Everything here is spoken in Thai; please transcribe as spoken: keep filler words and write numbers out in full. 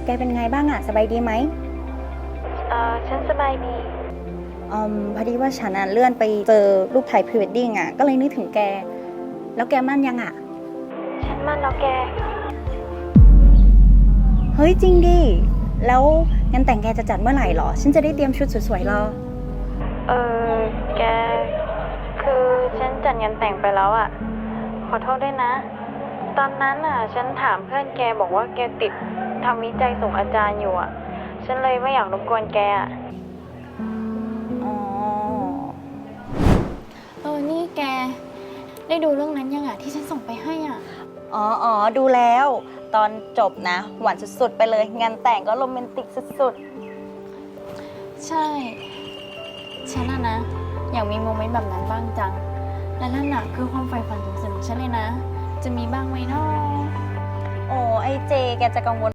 แกเป็นไงบ้างอะสบายดีไหมเออฉันสบายดีอืมพอดีว่าฉันอะเลื่อนไปเจอรูปถ่ายพรีเวดดิ้งอะก็เลยนึกถึงแก แล้วแกมั่นยังอะฉันมั่นแล้วแกเฮ้ยจริงดิ แล้วงานแต่งแกจะจัดเมื่อไหร่หรอ ฉันจะได้เตรียมชุดสวยๆรอเออแก คือฉันจัดงานแต่งไปแล้วอะขอโทษด้วยนะ ตอนนั้นอะฉันถามเพื่อนแกบอกว่าแกติดทำวิจัยส่งอาจารย์อยู่อะฉันเลยไม่อยากรบกวนแกอะอ๋อเออนี่แก ได้ดูเรื่องนั้นยังอะที่ฉันส่งไปให้อะอ๋ออ๋อดูแล้ว ตอนจบนะ หวานสุดๆไปเลย งานแต่งก็โรแมนติกสุดใช่ ฉันอะนะ อยากมีโมเมนต์แบบนั้นบ้างจัง และนั่นน่ะคือความใฝ่ฝันสูงสุดของฉันเลยนะ จะมีบ้างไหมเนาะๆ โอ้ไอเจ แกจะกังวล